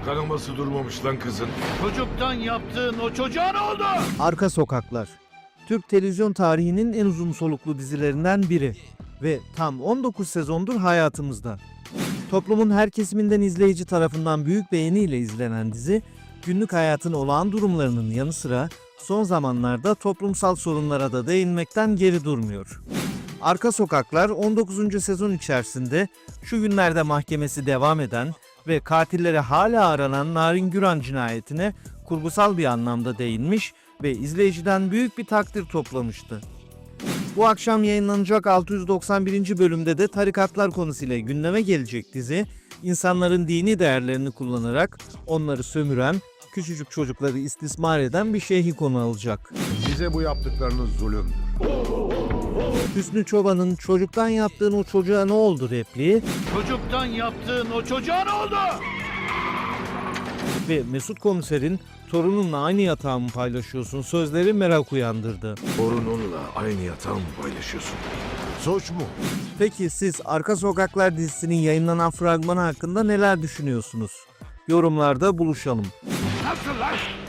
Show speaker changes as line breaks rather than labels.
Kanaması durmamış lan kızın.
Çocuktan yaptığın o çocuğa ne oldu?
Arka Sokaklar, Türk televizyon tarihinin en uzun soluklu dizilerinden biri ve tam 19 sezondur hayatımızda. Toplumun her kesiminden izleyici tarafından büyük beğeniyle izlenen dizi, günlük hayatın olağan durumlarının yanı sıra son zamanlarda toplumsal sorunlara da değinmekten geri durmuyor. Arka Sokaklar 19. sezon içerisinde şu günlerde mahkemesi devam eden ve katilleri hala aranan Narin Güran cinayetine kurgusal bir anlamda değinmiş ve izleyiciden büyük bir takdir toplamıştı. Bu akşam yayınlanacak 691. bölümde de tarikatlar konusuyla gündeme gelecek dizi, insanların dini değerlerini kullanarak onları sömüren, küçücük çocukları istismar eden bir şeyhi konu alacak.
Bize bu yaptıklarınız zulümdür.
Hüsnü Çoban'ın "çocuktan yaptığın o çocuğa ne oldu" repliği
Çocuktan yaptığın o çocuğa ne oldu?
ve Mesut Komiser'in "torununla aynı yatağı mı paylaşıyorsun" sözleri merak uyandırdı.
Torununla aynı yatağı mı paylaşıyorsun? Suç mu?
Peki siz Arka Sokaklar dizisinin yayınlanan fragmanı hakkında neler düşünüyorsunuz? Yorumlarda buluşalım.
Nasıl lan?